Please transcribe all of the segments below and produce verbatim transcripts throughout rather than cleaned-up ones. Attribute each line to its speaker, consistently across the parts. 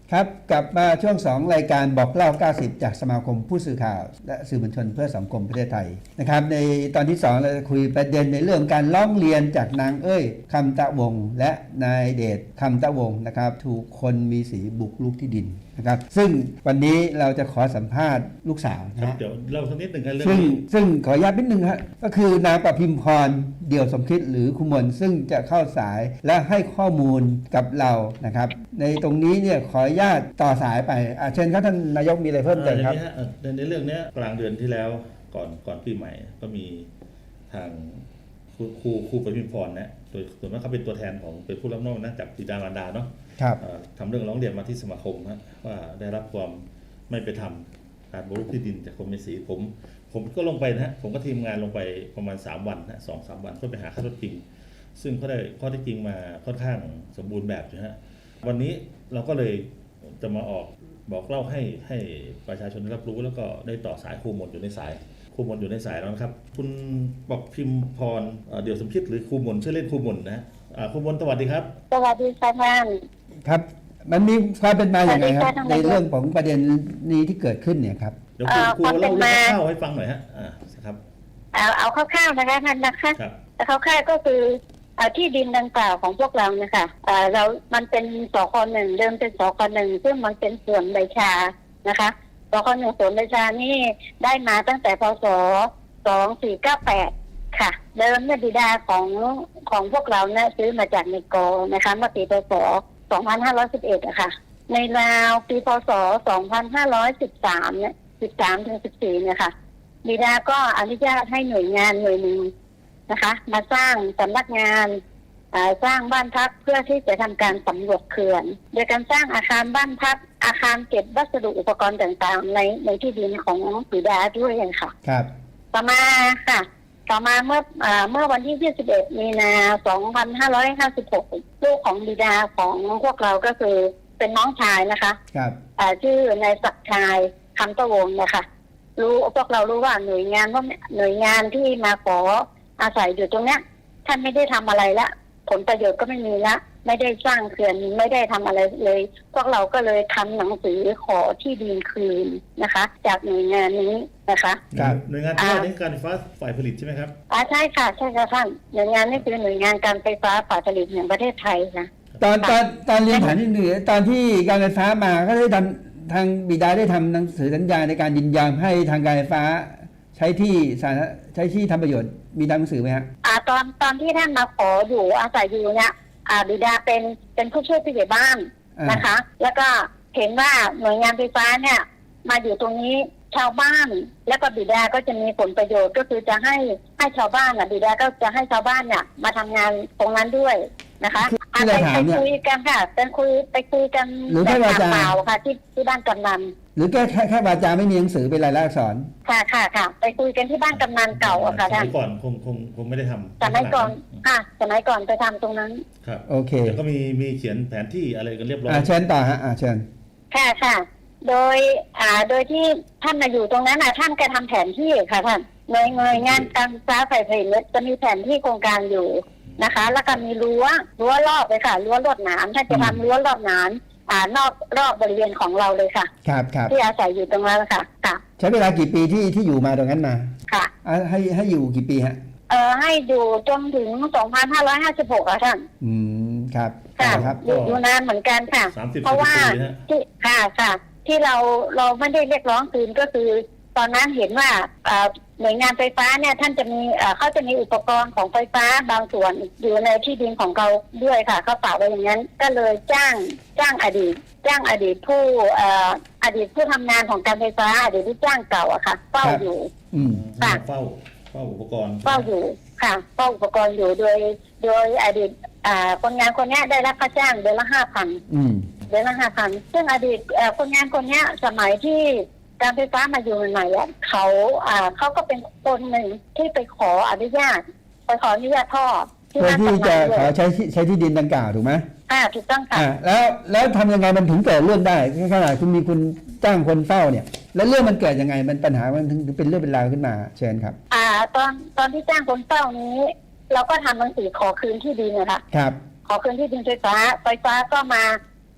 Speaker 1: ครับกลับมาช่วงสองรายการบอกเล่าเก้าสิบจากสมาคมผู้สื่อข่าวและสื่อมวลชนเพื่อสังคมประเทศไทยนะครับในตอนที่สองเราจะคุยประเด็นในเรื่องการร้องเรียนจากนางเอ้ยคำตะวงและนายเดชคำตะวงนะครับถูกคนมีสีบุกรุกที่ดินนะครับซึ่งวันนี้เราจะขอสัมภาษณ์ลูกสาวนะ
Speaker 2: เดี๋ยวเราสักนิดหนึ่งกันเรื่อง
Speaker 1: ซึ่ง
Speaker 2: นี้
Speaker 1: ซึ่งขออนุญาตนิดนึงครับก็คือนางประพิมพรเดี่ยวสมคิดหรือคุมลซึ่งจะเข้าสายและให้ข้อมูลกับเรานะครับในตรงนี้เนี่ยขออนุญาตต่อสายไปเชิญครับท่านนายกมีอะไรเพิ่มเติมครับ
Speaker 2: ในในเรื่องนี้กลางเดือนที่แล้วก่อนก่อนปีใหม่ก็มีทางครูครูครูประพิมพรนะโดยส่วนมากเขาเป็นตัวแทนของเป็นผู้รับนอกนะจากบิดามารดาเนาะทำเรื่องร้องเรียนมาที่สมาคมนะว่าได้รับความไม่เป็นธรรมการบุกรุกที่ดินจากคนมีสีผมผมก็ลงไปนะผมก็ทีมงานลงไปประมาณสามวันนะสองสามวันเพื่อไปหาข้อเท็จจริงซึ่งเขาได้ข้อเท็จจริงมาค่อนข้างสมบูรณ์แบบนะฮะวันนี้เราก็เลยจะมาออกบอกเล่าให้ให้ประชาชนได้รับรู้แล้วก็ได้ต่อสายครูมนอยู่ในสายครูมนอยู่ในสายแล้วนะครับคุณบอกพิมพรเดี่ยวสมคิดหรือครูมนชื่อเล่นครูมนนะครูมนสวัสดีครับ
Speaker 3: สวัสดีค่ะท่าน
Speaker 1: ครับมันมีความเป็นมาอย่างไรครับในเรื่องของประเด็นนี้ที่เกิดขึ้นเนี่ยครับ
Speaker 2: เดี๋ยวครูเล่าเรื่องคร่าวๆให้ฟังหน่อยฮะอ่าครับ
Speaker 3: เอาเอาคร่าวๆนะคะท่านนะคะแต่คร่าวๆก็คือที่ดินดังกล่าวของพวกเราเนี่ยค่ะเรามันเป็นสคหนึ่งเดิมเป็นสคหนึ่งซึ่งมันเป็นส่วนใบชานะคะสคหนึ่งส่วนใบชานี่ได้มาตั้งแต่พศสองสี่เก้าแปดค่ะเดิมเนี่ยบิดาของของพวกเราเนี่ยซื้อมาจากเนกอนะคะเมื่อปีพศสองพันห้าร้อยสิบเอ็ดอะค่ะในราวปีพศสองพันห้าร้อยสิบสามเนี่ยสิบสามถึงสิบสี่เนี่ยค่ะบิดาก็อนุญาตให้หน่วยงานหน่วยหนึ่งนะคะมาสร้างสำนักงานสร้างบ้านพักเพื่อที่จะทำการสำรวจเขื่อนโดยการสร้างอาคารบ้านพักอาคารเก็บวัสดุอุปกรณ์ต่างๆในในที่ดินของบิดาด้วยค่ะ
Speaker 1: ครับ
Speaker 3: ต่อมาค่ะต่อมาเมื่อเมื่อวันที่ยี่สิบเอ็ดมีนาสองพันห้าร้อยห้าสิบหกลูกของบิดาของพวกเราก็คือเป็นน้องชายนะคะ
Speaker 1: ครับ
Speaker 3: ชื่อนายศักดิ์ชายคำตะวงนะคะรู้พวกเรารู้ว่าหน่วยงานว่าหน่วยงานที่มาขออาศัยอยู่ตรงเนี้ยท่านไม่ได้ทำอะไรละผลประโยชน์ก็ไม่มีละไม่ได้สร้างเขื่อนไม่ได้ทำอะไรเลยพวกเราก็เลยทำหนังสือขอที่ดินคืนนะคะจากหน่วยงานนี้นะคะ
Speaker 2: หน่วยงานที่ว่านี้การไฟฟ้าฝ่ายผลิตใช่ไหมครับ
Speaker 3: อ่าใช่ค่ะใช่ค่ะท่านหน่วยงานนี้คือหน่วยงานการไฟฟ้าฝ่ายผลิตแห่งประเทศไทยนะ
Speaker 1: ตอนตอนตอนเรียนฐานที่เหนือตอนที่การไฟฟ้ามาก็ได้ทำทางบิดาได้ทำหนังสือสัญญาในการยินยอมให้ทางการไฟฟ้าใช้ที่สาใช้ที่ทำประโยชน์มีหนังสือไหมฮะ
Speaker 3: อ่าตอนตอนที่ท่านมาขออยู่อาศัยอยู่เนี่ยอ่าบิดาเป็นเป็นผู้ช่วยผู้ใหญ่บ้านนะคะแล้วก็เห็นว่าหน่วยงานไฟฟ้าเนี่ยมาอยู่ตรงนี้ชาวบ้านแล้วก็บิดาก็จะมีผลประโยชน์ก็คือจะให้ให้ชาวบ้านอ่ะบิดาก็จะให้ชาวบ้านเนี่ยมาทำงานตรงนั้นด้วยนะคะไปไปคุยกันค่ะเป็นคุยไปคุยกันแบบเปล่าค่ะที่ที่บ้านกำนัน
Speaker 1: หรือแค่แค่แค่วาจาไม่มีหนังสือเป็นลายลักษณ์อักษร
Speaker 3: ค่ะค่ะค่ะไปคุยกันที่บ้านกำนันเก่าอะค่ะท่าน
Speaker 2: สมัยก่อนคงคงคงไม่ได้ทำ
Speaker 3: สมัยก่อนค่ะสมัยก่อนไปทำตรงนั้น
Speaker 2: ครับโอเคแล้วก็มีมีเขียนแผนที่อะไรกันเรียบร้อย
Speaker 1: อ่าเชิญต่อฮะอ่าเชิญ
Speaker 3: ค่ะค่ะโดยอ่าโดยที่ท่านมาอยู่ตรงนั้นนะท่านก็ทำแผนที่ค่ะท่านหน่วยหน่วยงานการไฟฟ้าฝ่ายผลิตจะมีแผนที่โครงการอยู่นะคะแล้วก็มีรั้วรั้วรอบเลยค่ะรั้วลวดหนามท่านจะทำรั้วรอบหนามอ่านอกรอบบริเวณของเราเลยค่ะ
Speaker 1: ครับครับ
Speaker 3: ที่อาศัยอยู่ตรงนั้นค่ะค่ะ
Speaker 1: ใช้เวลากี่ปีที่ที่อยู่มาตรงนั้นมา
Speaker 3: ค่ะ
Speaker 1: ให้ให้อยู่กี่ปีฮะ
Speaker 3: เอ่อให้อยู่จนถึงสองพันห้าร้อยห้าสิบหกค่ะท่าน
Speaker 1: อืมครับ
Speaker 3: ค่ะ
Speaker 1: ครับ
Speaker 3: อยู่อยู่นานเหมือนกันค่ะเพราะว่าที่ค่ะค่ะที่เราเราไม่ได้เรียกร้องคืนก็คือตอนนั้นเห็นว่าหน่วยงานไฟฟ้าเนี่ยท่านจะมีเขาจะมีอุปกรณ์ของไฟฟ้าบางส่วนอยู่ในที่ดินของเขาด้วยค่ะเขาฝากไว้อย่างนั้นก็เลยจ้างจ้างอดีตจ้างอดีตผู้อดีตผู้ทำงานของการไฟฟ้าอดีตผู้จ้างเก่าอะค่ะเฝ้าอยู่
Speaker 2: ค่ะเฝ้าเฝ้าอุปกรณ์
Speaker 3: เฝ้าอยู่ค่ะเฝ้าอุปกรณ์อยู่โดยโดยอดีตคนงานคนนี้ได้รับค่าจ้างเดือนละห้าพันเดือนละห้าพันซึ่งอดีตคนงานคนนี้สมัยที่การไฟฟ้ามาอยู่ใหม่ๆเขาอ่าเขาก็เป็นคนหนึ่งที่ไปขออนุญาตไปขออนุญาตท่อ
Speaker 1: ที่ที่จะขอใช้ใช้ที่ดินดังกล่าวถูกไหม
Speaker 3: อ่าถูกต้องค่ะ
Speaker 1: แล้วแล้วทำยังไงมันถึงเกิดเรื่องได้ขนาดคุณมีคุณจ้างคนเฝ้าเนี่ยแล้วเรื่องมันเกิดยังไงมันปัญหามันถึงเป็นเรื่องเป็นราวขึ้นมาเชิญครับ
Speaker 3: อ่าตอนตอนที่จ้างคนเฝ้านี้เราก็ทำหนังสือขอคืนที่ดินนะคะ
Speaker 1: ครับ
Speaker 3: ขอคืนที่ดินไฟฟ้าไฟฟ้าก็มา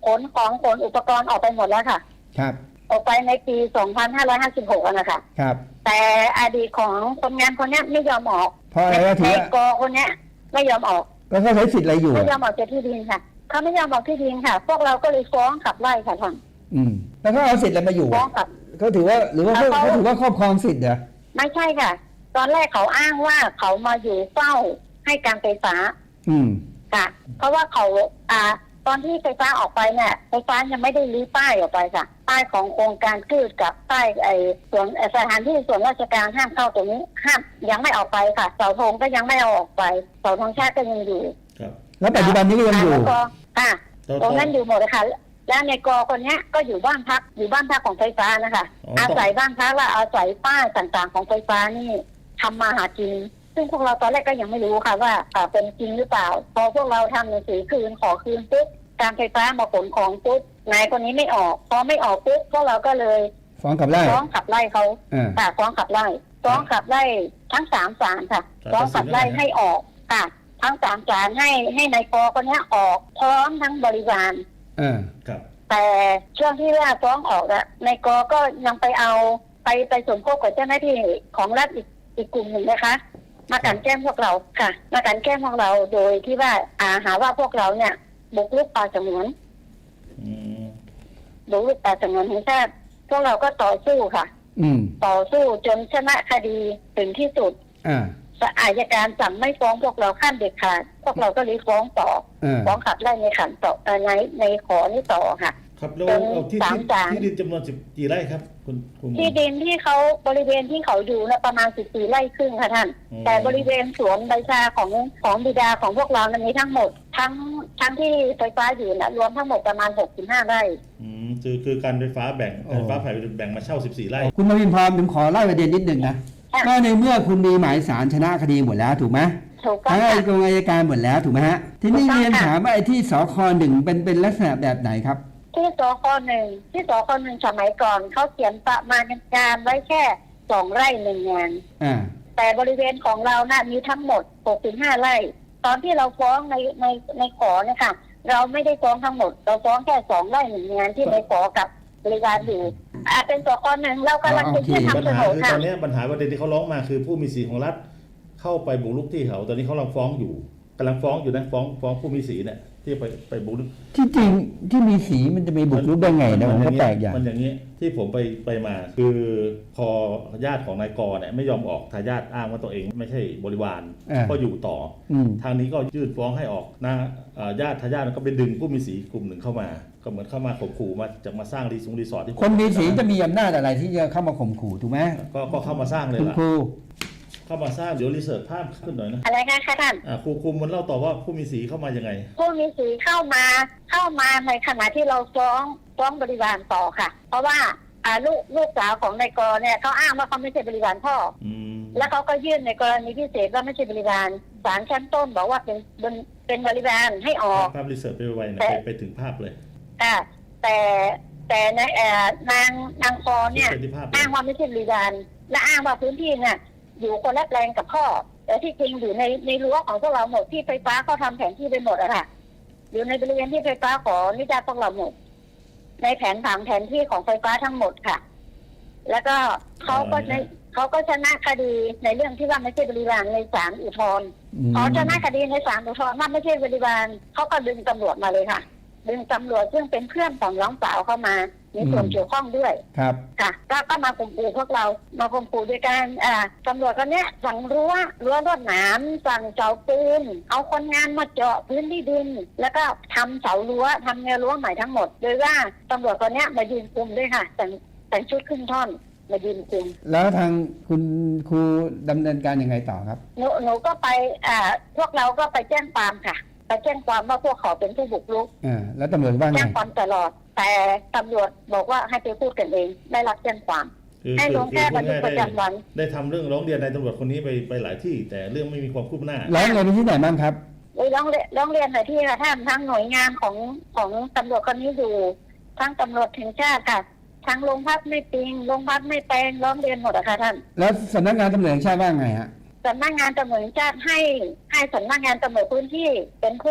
Speaker 3: ขนของขนอุปกรณ์ออกไปหมดแล้วค่ะ
Speaker 1: ครับ
Speaker 3: ออกไปในปี สองพันห้าร้อยห้าสิบหก นะคะ
Speaker 1: ครับ
Speaker 3: แต่อดีตของคนงานคนเนี้ยไม่ยอมออก
Speaker 1: เพราะอะไรก็ถือ
Speaker 3: ใน
Speaker 1: ว่าก
Speaker 3: อคนเนี้ยไม่ยอมออก
Speaker 1: แล้วเขาใช้สิทธิ์อะไรอยู่
Speaker 3: ไม่ยอ
Speaker 1: อะ
Speaker 3: มออกจากที่ดินค่ะเขาไม่ยอมออกที่ดินค่ะ พวกเราก็เลยฟ้องขับไล่ค่ะท่าน
Speaker 1: อืมแล้วเขาเอาสิทธิ์อะไรมาอยู่
Speaker 3: ฟ้อ
Speaker 1: อะ
Speaker 3: งขับ
Speaker 1: เขาถือว่าหรือว่าเขา
Speaker 3: เขา
Speaker 1: เขาถือว่าครอบครองสิทธิ์เหรอ
Speaker 3: ไม่ใช่ค่ะ ตอนแรกเขาอ้างว่าเขามาอยู่เฝ้าให้การไฟฟ้า
Speaker 1: อืม
Speaker 3: ค่ะ เพราะว่าเขาอ่าตอนที่ไฟฟ้าออกไปเนี่ยไฟฟ้ายังไม่ได้รื้อป้ายออกไปค่ะป้ายของโครงการพืชกับป้ายไอ้ส่วนสถานที่ส่วนราชการห้ามเข้าตรงนี้ห้ามยังไม่ออกไปค่ะเสาธงก็ยังไม่เอาออกไปเสาธงชาติก็ยังอยู่
Speaker 2: ครับ
Speaker 1: แล้วปัจจุบันนี้ก็ยังอยู่
Speaker 3: แล้วก็ค่ะ
Speaker 2: ต่อ
Speaker 3: ตรงนั้นอยู่หมดเลยค่ะแล้วในกอคนเนี้ยก็อยู่บ้านพักอยู่บ้านพักของไฟฟ้านะคะ
Speaker 2: อ๋อ
Speaker 3: อาศัยบ้านพักและอาศัยป้ายต่างๆของไฟฟ้านี่ทำมาหากิน ซึ่งพวกเราตอนแรกก็ยังไม่รู้ค่ะว่าอ่าเป็นจริงหรือเปล่า พอพวกเราทำหนังสือคืนขอคืนปุ๊บการไฟฟ้ามาขนของปุ๊บนายคนนี้ไม่ออกพอไม่ออกปุ๊บพวกเราก็เลย
Speaker 1: ฟ้องกับไล่
Speaker 3: ฟ้องขับไล่เขา
Speaker 1: อ่า
Speaker 3: ค่ะฟ้องขับไล่ฟ้องขับไล่ทั้งสามศาลค่ะฟ้องขับไล่ให้ออกค่ะ ทั้งสามศาลให้ให้นายกคนนี้ออกพร้อมทั้งบริวาร
Speaker 1: อ่า
Speaker 2: ครับ
Speaker 3: แต่ช่วงที่ว่าฟ้องออกอะนายกก็ยังไปเอาไปไปสมคบกับเจ้าหน้าที่ของรัฐอีกอีกกลุ่มหนึ่งนะคะ มากลั่นแกล้งพวกเราค่ะ มากลั่นแกล้งพวกเราโดยที่ว่าอาหาว่าพวกเราเนี่ยบุกรุกป่าสงวน
Speaker 2: อืม
Speaker 3: บุกรุกป่าสงวนแห่งชาติพวกเราก็ต่อสู้ค่ะ
Speaker 1: อืม
Speaker 3: ต่อสู้จนชนะคดีถึงที่สุด
Speaker 1: อ่า
Speaker 3: อายการสั่งไม่ฟ้องพวกเราขั้นเด็ดขาดพวกเราก็เลยฟ้องต่อ
Speaker 1: อ่า
Speaker 3: ฟ้องขับไล่ในขันต่อเอ่อในในขอนี้ต่อค่ะ
Speaker 2: ครับแล้ว
Speaker 3: เป็น
Speaker 2: เอาที่
Speaker 3: สาม
Speaker 2: ที่
Speaker 3: ศาล
Speaker 2: ที่ดินจำนวนสิบกี่ไร่ครับคุณคุณหมอ
Speaker 3: ที่ดินที่เขาบริเวณที่เขาอยู่นะประมาณสิบสี่ไร่ครึ่งค่ะท่าน
Speaker 2: อืม
Speaker 3: แต่บริเวณสวนใบชาของของบิดาของพวกเรานั้นมีทั้งหมด ทั้งทั้งที่ไฟฟ้าอยู่นะรวมทั้งหมดประมาณหกสิบห้าไร่
Speaker 2: อืมคือคือการไฟฟ้าแบ่งการไฟฟ้าฝ่ายแบ่งมาเช่าสิบสี่ไร่
Speaker 1: คุณมาวินพรผมขอไล่ประเด็นนิดหนึ่งนะ
Speaker 3: ค่ะ
Speaker 1: ก็ในเมื่อคุณมีหมายสารชนะคดีหมดแล้วถูกไหม
Speaker 3: ถูกต้อง
Speaker 1: ทั้ง
Speaker 3: ค่ะ
Speaker 1: อายการอัยการหมดแล้วถูกไหมฮะ ทีนี้
Speaker 3: ถูกต้อง
Speaker 1: เรียน
Speaker 3: ค่ะ
Speaker 1: ถามว่าไอ้ที่สคหนึ่งเป็นเป็นลักษณะแบบไหนครับ
Speaker 3: ที่สคหนึ่งที่สคหนึ่งสมัยก่อนเขาเขียนประมาณการไว้แค่สองไร่หนึ่งงาน
Speaker 1: อ่า
Speaker 3: แต่บริเวณของเราน่ะมีทั้งหมดหกสิบห้าไร่ ตอนที่เราฟ้องในในในขอเนี่ยค่ะเราไม่ได้ฟ้องทั้งหมด เราฟ้องแค่สองไร่หนึ่งงานที่ในขอกับบริวารอยู่อ่าเป็นสคหนึ่งเรากำลังจะยื่น
Speaker 2: ปัญ
Speaker 3: ทำโฉ
Speaker 2: หาน
Speaker 3: ด
Speaker 2: คือ
Speaker 3: ค่ะ
Speaker 2: ตอนนี้ปัญหาประเด็นที่เขาร้องมาคือผู้มีสีของรัฐเข้าไปบุกรุกที่เขา ตอนนี้เขากำลังฟ้องอยู่กำลังฟ้องอยู่นะฟ้องฟ้องผู้มีสีเนี่ยที่ไปไปบุกรุก
Speaker 1: ที่จริงที่มีสีมันจะไปบุกรุกได้ไงนะผมก็แปลกอย่าง
Speaker 2: มันอย่างนี้ที่ผมไปไปมาคือพอญาติของนายกรเนี่ยไม่ยอมออกทายาทอ้างว่าตัวเองไม่ใช่บริวาร
Speaker 1: อ่า
Speaker 2: ก็อยู่ต่อ
Speaker 1: อืม
Speaker 2: ทางนี้ก็ยื่นฟ้องให้ออกนะอ่าญาติทายาทก็ไปดึงผู้มีสีกลุ่มหนึ่งเข้ามา ก็เหมือนเข้ามาข่มขู่มาจะมาสร้างรีสอร์ทรีสอร์ทที่
Speaker 1: คนมีสีจะมีอำนาจอะไรที่จะเข้ามาข่มขู่ถูกไหม
Speaker 2: ก็ก็เข้ามาสร้างเลย
Speaker 1: คุณ
Speaker 2: ล่ะ
Speaker 1: ครู
Speaker 2: เข้ามาสร้างเดี๋ยวรีเสิร์ชภาพขึ้นหน่อยนะ
Speaker 3: อะไรคะคะท่าน
Speaker 2: อ่าครูครูมันเล่าต่อว่าผู้มีสีเข้ามายังไง
Speaker 3: ผู้มีสีเข้ามาเข้ามาในขณะที่เราฟ้องฟ้องบริวารต่อค่ะ เพราะว่าอ่าลูกลูกสาวของนายกเนี่ยเขาอ้างว่าเขาไม่ใช่บริวารพ่อ
Speaker 2: อืม
Speaker 3: แล้วเขาก็ยื่นในกรณีพิเศษว่าไม่ใช่บริวารศาลชั้นต้นบอกว่าเป็นเป็นเป็นบริวารให้ออก
Speaker 2: ภาพรีเสิร์ชไปไวๆนะ
Speaker 3: แต่
Speaker 2: ไปไปถึงภาพเลย
Speaker 3: ค่ะแต่แต่ในเอ่อนางนางคอเนี่ย
Speaker 2: ไปที่ภาพเลย
Speaker 3: อ้างว่าไม่ใช่บริวารและอ้างว่าพื้นที่เนี่ยอยู่คนละแปลงกับพ่อ แต่ที่จริงอยู่ในในรั้วของพวกเราหมดที่ไฟฟ้าเขาทำแผนที่ไปหมดอะค่ะอยู่ในบริเวณที่ไฟฟ้าขออนุญาตพวกเราหมดในแผนผังแผนที่ของไฟฟ้าทั้งหมดค่ะ แล้วก็เขาก็ในเขาก็ชนะคดีในเรื่องที่ว่าไม่ใช่บริวารในศาลอุทธรณ์
Speaker 1: อืม
Speaker 3: พอชนะคดีในศาลอุทธรณ์ว่าไม่ใช่บริวารเขาก็ดึงตำรวจมาเลยค่ะ ดึงตำรวจซึ่งเป็นเพื่อนของน้องสาวเข้ามามีส่วนเกี่ยวข้องด้วย
Speaker 1: ครับ
Speaker 3: ค่ะก็ก็มาข่มขู่พวกเรามาข่มขู่ด้วยการอ่าตำรวจคนเนี้ยสั่งรั้วรั้วรวดหนามสั่งเสาปูนเอาคนงานมาเจาะพื้นที่ดิน แล้วก็ทำเสารั้วทำแนวรั้วใหม่ทั้งหมดโดยว่าตำรวจคนเนี้ยมายืนคุมด้วยค่ะแต่งแต่งชุดครึ่งท่อนมายืนคุม
Speaker 1: แล้วทางคุณครูดำเนินการยังไงต่อครับ
Speaker 3: หนูหนูก็ไปอ่าพวกเราก็ไปแจ้งความค่ะไปแจ้งความว่าพวกเขาเป็นผู้บุกรุก
Speaker 1: อ่า แล้วตำรวจว่าไง
Speaker 3: แจ้งความตลอด แต่ตำรวจบอกว่าให้ไปพูดกันเองได้รับแจ้งความ
Speaker 2: คือ
Speaker 3: ให้ลงแค่บันทึกประจำวัน
Speaker 2: ได้ทำเรื่องร้องเรียนนายตำรวจคนนี้ไปไปหลายที่ แต่เรื่องไม่มีความคืบหน้า
Speaker 1: ร้องเรียนไปที่ไหนบ้างครับ
Speaker 3: เลยร้องเรียนร้องเรียนหน่อยที่ค่ะท่านทั้งหน่วยงานของของตำรวจคนนี้อยู่ทั้งตำรวจแห่งชาติค่ะทั้งโรงพักไม่ปิงโรงพักไม่แปลงร้องเรียนหมดอะค่ะท่าน
Speaker 1: แล้วสำนักงานตำรวจแห่งชาติว่าไงฮะ
Speaker 3: สำนักงานตำรวจแห่งชาติให้ให้สำนักงานตำรวจพื้นที่เป็นผู้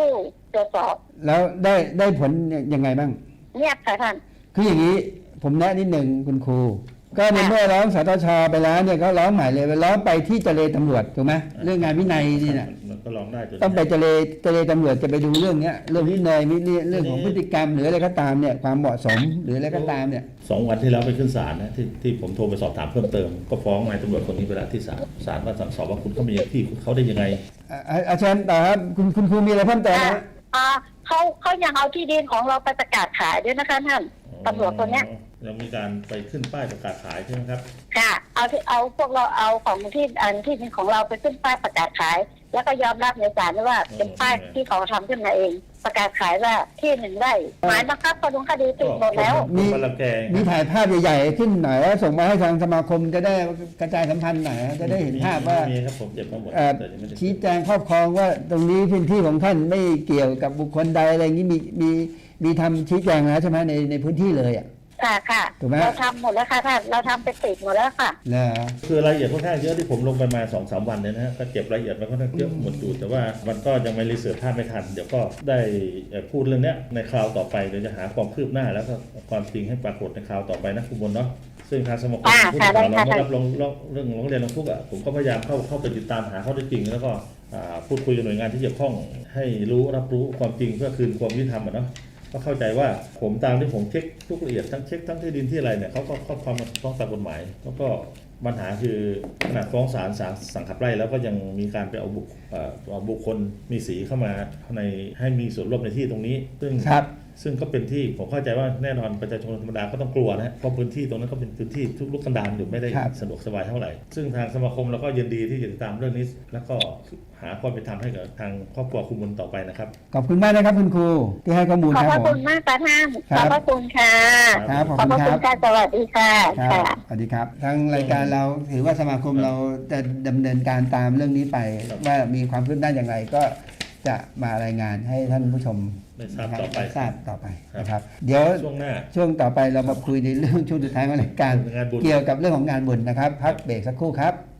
Speaker 3: ตรวจสอบ
Speaker 1: แล้วได้ได้ผลยังไงบ้าง
Speaker 3: เงียบค่ะท่าน
Speaker 1: คืออย่างนี้ผมแนะนิดหนึ่งคุณครูก็ในเมื่อร้องสตชไปแล้วเนี่ยก็ร้องใหม่เลยไปร้องไปที่เจรตำรวจถูกไหมเรื่องงานวินัยนี่นะ
Speaker 2: มันก็ร้องได้จน
Speaker 1: ต้องไปเจรเจรตำรวจจะไปดูเรื่องเนี้ยเรื่องวินัยมิเรื่องของพฤติกรรมหรืออะไรก็ตามเนี่ยความเหมาะสมหรืออะไรก็ตามเนี่ย
Speaker 2: สองวันที่แล้วไปขึ้นศาลนะที่ที่ผมโทรไปสอบถามเพิ่มเติมก็ฟ้องนายตำรวจคนนี้ไปแล้วที่ศาลศาลว่าสั่งสอบว่าคุณเขามีที่คุณเขาได้ยังไง
Speaker 1: อ่าอาจารย์ต่อครับคุณคุณครูมีอะไรเพิ่มเติม
Speaker 3: อ่า
Speaker 1: นะ
Speaker 3: อ่าเขาเขายังเอาที่ดินของเราไปประกาศขายด้วยนะคะท่านตำรวจคนเนี้ย
Speaker 2: เรามีการไปขึ้นป้ายประกาศขายใช่ไหมครับ
Speaker 3: ค่ะ เอาที่เอาพวกเราเอาของที่อันที่ดินของเราไปขึ้นป้ายประกาศขาย แล้วก็ยอมรับในศาลด้วยว่าเป็นป้ายที่เขาทำขึ้นมาเอง ประกาศขายว่าที่หนึ่งไร่หมายบังคับประดุงคดีติดหมดแล้ว
Speaker 1: มี
Speaker 2: มาละแกง
Speaker 1: มีถ่ายภาพใหญ่ๆขึ้นหน่อยแล้วส่งมาให้ทางสมาคมจะได้กระจายสัมพันธ์หน่อยจะได้เห็นภาพว่า
Speaker 2: มีครับผมเก็บมาหมด
Speaker 1: เอ่อ
Speaker 2: แต่ยังไม่ได้
Speaker 1: ชี้แจงครอบครองว่าตรงนี้พื้นที่ของท่านไม่เกี่ยวกับบุคคลใดอะไรอย่างนี้มีมีมีทำชี้แจงแล้วใช่ไหมในในพื้นที่เลยอ่ะ
Speaker 3: ค่ะค่ะ
Speaker 1: ถูกไหม
Speaker 3: เราทำหมดแล้วค่ะท่านเราทำไปติดหมดแล้วค่ะ
Speaker 1: เหรอ
Speaker 2: คือรายละเอียดค่อนข้างเยอะที่ผมลงไปมาสองสามวันเนี่ยนะฮะก็เก็บรายละเอียดมาค่อนข้างเยอะหมดอยู่แต่ว่ามันก็ยังไม่รีเสิร์ชภาพไม่ทัน เดี๋ยวก็ได้เอ่อพูดเรื่องเนี้ยในคราวต่อไปเดี๋ยวจะหาความคืบหน้าแล้วก็ความจริงให้ปรากฏในคราวต่อไปนะคุณบนเนาะซึ่งทางสมาคม
Speaker 3: อ่า
Speaker 2: ผู้
Speaker 3: ค่ะ
Speaker 2: สื่อข่าว
Speaker 3: ได้
Speaker 2: เรา
Speaker 3: ค่ะ
Speaker 2: ได้รับรองรองเรื่องร้องเรียนร้องทุกข์อ่ะผมก็พยายามเข้าเข้าไปติดตามหาข้อเท็จจริงแล้วก็อ่าพูดคุยกับหน่วยงานที่เกี่ยวข้องให้รู้รับรู้ความจริงเพื่อคืนความยุติธรรมอ่ะเนาะก็เข้าใจว่าผมตามที่ผมเช็คทุกละเอียดทั้งเช็คทั้งที่ดินที่อะไรเนี่ยเขาก็ครอบครองมาฟ้องตามกฎหมายแล้วก็ปัญหาคือขนาดฟ้องศาลศาลสั่งขับไล่แล้วก็ยังมีการไปเอาบุคเอ่อเอาบุคคลมีสีเข้ามาในให้มีส่วนร่วมในที่ตรงนี้ ซึ่ง
Speaker 1: ครับ
Speaker 2: ซึ่งก็เป็นที่ผมเข้าใจว่าแน่นอนประชาชนธรรมดาก็ต้องกลัวนะฮะเพราะพื้นที่ตรงนั้นก็เป็นพื้นที่ทุกลุกกันดารอยู่ไม่ได้
Speaker 1: ครับ
Speaker 2: สะดวกสบายเท่าไหร่ ซึ่งทางสมาคมเราก็ยินดีที่จะติดตามเรื่องนี้ แล้วก็หาความเป็นธรรมให้กับทางครอบครัวคุณบุญต่อไปนะครับ
Speaker 1: ขอบคุณมากนะครับคุณครูที่ให้ข้อมูล
Speaker 3: ขอบ
Speaker 1: ค
Speaker 3: พ
Speaker 1: รับ
Speaker 3: ระ
Speaker 1: ผ
Speaker 3: คุ
Speaker 1: ม
Speaker 3: ณมากค่ะท่าน
Speaker 1: ครั
Speaker 3: ขอบบ พระคุณค่ะ
Speaker 1: ครับขอบ
Speaker 3: ขอบ
Speaker 1: คุณ
Speaker 3: พระ
Speaker 1: ค
Speaker 3: คุ
Speaker 1: รั
Speaker 3: ณ
Speaker 1: บ
Speaker 3: ค่ะสวัสดีค่ะ
Speaker 1: ครับ
Speaker 3: ค่ะ
Speaker 1: สวัสดีครับทางรายการเราถือว่าสมาคมเราจะดำเนินการตามเรื่องนี้ไป
Speaker 2: ครับ
Speaker 1: ว่ามีความคืบหน้าอย่างไรก็จะมารายงานให้ท่านผู้ชม
Speaker 2: ได้ทราบต่อไป
Speaker 1: ทราบต่อไป
Speaker 2: ครับ
Speaker 1: นะครับ เดี๋ยว
Speaker 2: ช่วงหน้า
Speaker 1: ช่วงต่อไปเรามาคุยในเรื่องช่วงสุดท้ายของรายการ
Speaker 2: งานบุญ
Speaker 1: เกี่ยวกับเรื่องของงานบุญนะครับ พักเบรกสักครู่ครับ